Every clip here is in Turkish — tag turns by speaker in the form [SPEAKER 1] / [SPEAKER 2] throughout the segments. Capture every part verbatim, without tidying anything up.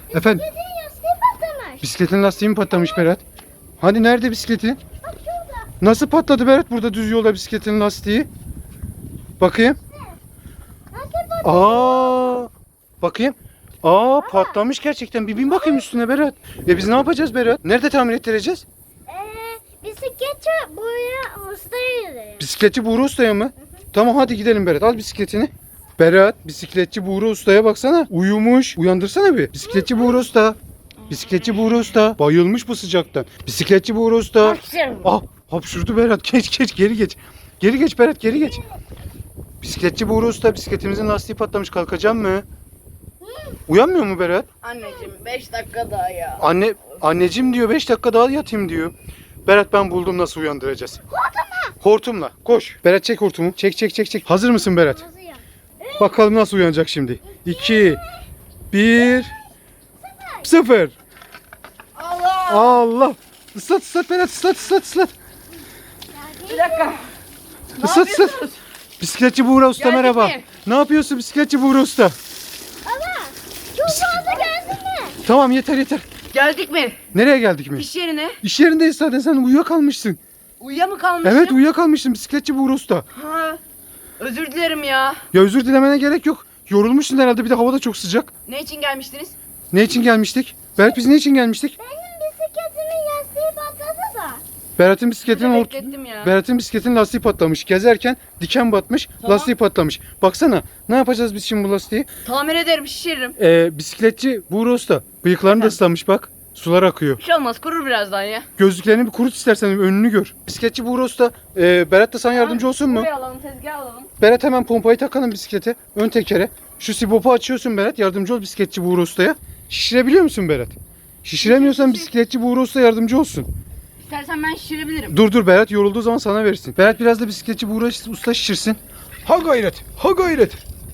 [SPEAKER 1] Efendim?
[SPEAKER 2] Bisikletin lastiği patlamış.
[SPEAKER 1] Bisikletin lastiği mi patlamış Berat? Hani nerede bisikleti?
[SPEAKER 2] Bak şurada.
[SPEAKER 1] Nasıl patladı Berat burada düz yolda bisikletin lastiği? Bakayım.
[SPEAKER 2] Lastik patlamış.
[SPEAKER 1] Aa! Bakayım. Aa patlamış gerçekten. Bir bin bakayım üstüne Berat. E biz ne yapacağız Berat? Nerede tamir ettireceğiz?
[SPEAKER 2] Ee, bisikletçi buraya ustaya gidiyor.
[SPEAKER 1] Bisikletçi Buğra Usta'ya mı? Tamam hadi gidelim Berat. Al bisikletini. Berat, bisikletçi Buğra Usta'ya baksana. Uyumuş. Uyandırsana bir. Bisikletçi Buğra Usta. Bisikletçi Buğra Usta. Bayılmış bu sıcaktan. Bisikletçi Buğra Usta. Ah, hapşurdu Berat. Geç geç geri geç. Geri geç Berat geri geç. Bisikletçi Buğra Usta, bisikletimizin lastiği patlamış. Kalkacak mı? Uyanmıyor mu Berat?
[SPEAKER 3] Anneciğim beş dakika daha ya.
[SPEAKER 1] Anne, anneciğim diyor beş dakika daha yatayım diyor. Berat ben buldum nasıl uyandıracağız. Hortumla. Hortumla. Koş. Berat çek hortumu. Çek çek çek çek. Hazır mısın Berat?
[SPEAKER 2] Nasıl ya?
[SPEAKER 1] Bakalım nasıl uyanacak şimdi. iki, bir, sıfır.
[SPEAKER 3] Allah!
[SPEAKER 1] Allah. Islat ıslat Berat ıslat ıslat ıslat.
[SPEAKER 3] Bir dakika. Ne
[SPEAKER 1] Islat ıslat.
[SPEAKER 3] yapıyorsunuz?
[SPEAKER 1] Bisikletçi Buğra Usta
[SPEAKER 3] Geldik
[SPEAKER 1] merhaba.
[SPEAKER 3] mi?
[SPEAKER 1] Ne yapıyorsun bisikletçi Buğra Usta?
[SPEAKER 2] Ama çok fazla gelsin mi?
[SPEAKER 1] Tamam yeter yeter.
[SPEAKER 3] Geldik mi?
[SPEAKER 1] Nereye geldik mi?
[SPEAKER 3] İş yerine.
[SPEAKER 1] İş yerindeyiz zaten sen uyuyakalmışsın.
[SPEAKER 3] Uyuya mı kalmışım?
[SPEAKER 1] Evet uyuyakalmışsın bisikletçi Buğra Usta.
[SPEAKER 3] Ha, özür dilerim ya.
[SPEAKER 1] Ya özür dilemene gerek yok. Yorulmuşsun herhalde bir de hava da çok sıcak.
[SPEAKER 3] Ne için gelmiştiniz?
[SPEAKER 1] Ne için gelmiştik? Berat biz ne için gelmiştik?
[SPEAKER 2] Benim bisikletimin lastiği patladı da.
[SPEAKER 1] Berat'ın bisikletinin
[SPEAKER 3] Burada
[SPEAKER 1] ort-
[SPEAKER 3] beklettim ya.
[SPEAKER 1] Berat'ın bisikletin lastiği patlamış. Gezerken diken batmış,
[SPEAKER 3] Tamam.
[SPEAKER 1] lastiği patlamış. Baksana, ne yapacağız biz şimdi bu lastiği?
[SPEAKER 3] Tamir ederim, şişiririm.
[SPEAKER 1] Ee, bisikletçi Buğra Usta. Bıyıklarını da
[SPEAKER 3] Efendim?
[SPEAKER 1] ıslanmış bak. Sular akıyor.
[SPEAKER 3] Bir şey olmaz, kurur birazdan ya.
[SPEAKER 1] Gözlüklerini bir kurut istersen önünü gör. Bisikletçi Buğra Usta, e, Berat da sana yardımcı olsun mu?
[SPEAKER 3] Buraya alalım, tezgah alalım.
[SPEAKER 1] Berat hemen pompayı takalım bisiklete. Ön tekere. Şu sibopu açıyorsun Berat. Yardımcı ol bisikletçi Buğra Usta'ya. Şişirebiliyor musun Berat? Şişiremiyorsan bisikletçi Buğra Usta yardımcı olsun.
[SPEAKER 3] İstersen ben şişirebilirim.
[SPEAKER 1] Dur dur Berat yorulduğu zaman sana versin. Berat biraz da bisikletçi Buğra Usta şişirsin. Ha gayret. Ha gayret.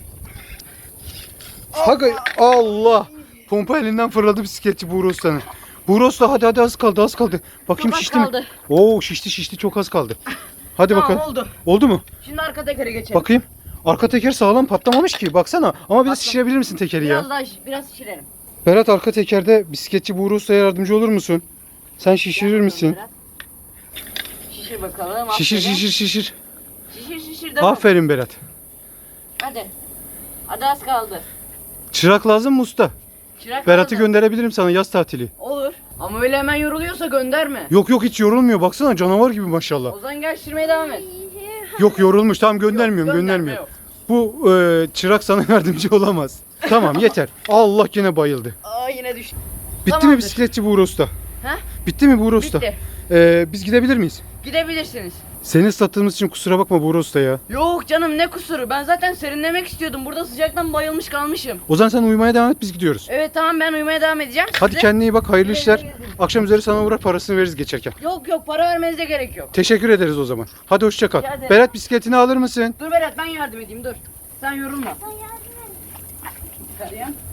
[SPEAKER 1] Ha gayret. Allah. Pompa elinden fırladı bisikletçi Buğra Usta'nın. Buğra Usta hadi hadi az kaldı az kaldı. Bakayım
[SPEAKER 3] Çok az
[SPEAKER 1] şişti mi?
[SPEAKER 3] kaldı.
[SPEAKER 1] Oo şişti şişti çok az kaldı. Hadi
[SPEAKER 3] Tamam,
[SPEAKER 1] bakalım.
[SPEAKER 3] oldu.
[SPEAKER 1] Oldu mu?
[SPEAKER 3] Şimdi arka tekere geçelim.
[SPEAKER 1] Bakayım. Arka teker sağlam patlamamış ki. Baksana. Ama biraz
[SPEAKER 3] Patla-
[SPEAKER 1] şişirebilir misin tekeri
[SPEAKER 3] Biraz
[SPEAKER 1] ya?
[SPEAKER 3] daha, şiş- biraz şişirelim.
[SPEAKER 1] Berat arka tekerde bisikletçi Buğra Usta'ya yardımcı olur musun? Sen şişirir misin?
[SPEAKER 3] Biraz. Şişir bakalım.
[SPEAKER 1] Şişir
[SPEAKER 3] aferin.
[SPEAKER 1] şişir şişir.
[SPEAKER 3] Şişir şişir devam.
[SPEAKER 1] Aferin Berat.
[SPEAKER 3] Hadi. Hadi az kaldı.
[SPEAKER 1] Çırak lazım mı usta?
[SPEAKER 3] Çırak
[SPEAKER 1] Berat'ı
[SPEAKER 3] lazım.
[SPEAKER 1] gönderebilirim sana yaz tatili.
[SPEAKER 3] Olur. Ama öyle hemen yoruluyorsa gönderme.
[SPEAKER 1] Yok yok hiç yorulmuyor. Baksana canavar gibi maşallah.
[SPEAKER 3] O zaman gel şişirmeye devam et.
[SPEAKER 1] Yok yorulmuş. Tamam göndermiyorum
[SPEAKER 3] Yok, gönderme
[SPEAKER 1] göndermiyorum.
[SPEAKER 3] yok.
[SPEAKER 1] Bu e, çırak sana yardımcı olamaz. Tamam yeter. Allah yine bayıldı.
[SPEAKER 3] Aa yine düştü.
[SPEAKER 1] Bitti mi
[SPEAKER 3] Tamamdır.
[SPEAKER 1] bisikletçi Buğra Usta?
[SPEAKER 3] Ha?
[SPEAKER 1] Bitti mi Buğra Usta?
[SPEAKER 3] Bitti.
[SPEAKER 1] E, biz gidebilir miyiz?
[SPEAKER 3] Gidebilirsiniz.
[SPEAKER 1] Seni ıslattığımız için kusura bakma Buğra Usta ya.
[SPEAKER 3] Yok canım ne kusuru. Ben zaten serinlemek istiyordum. Burada sıcaktan bayılmış kalmışım.
[SPEAKER 1] O zaman sen uyumaya devam et biz gidiyoruz.
[SPEAKER 3] Evet tamam ben uyumaya devam edeceğim.
[SPEAKER 1] Hadi
[SPEAKER 3] Size-
[SPEAKER 1] kendine iyi bak hayırlı
[SPEAKER 3] Güle
[SPEAKER 1] işler.
[SPEAKER 3] güle gezin.
[SPEAKER 1] Akşam üzeri sana uğrar parasını veririz geçerken.
[SPEAKER 3] Yok yok para vermenize gerek yok.
[SPEAKER 1] Teşekkür ederiz o zaman. Hadi hoşça kal.
[SPEAKER 3] Rica ederim.
[SPEAKER 1] Berat bisikletini alır mısın?
[SPEAKER 3] Dur Berat ben yardım edeyim dur. Sen yorulma. Çıkarayım.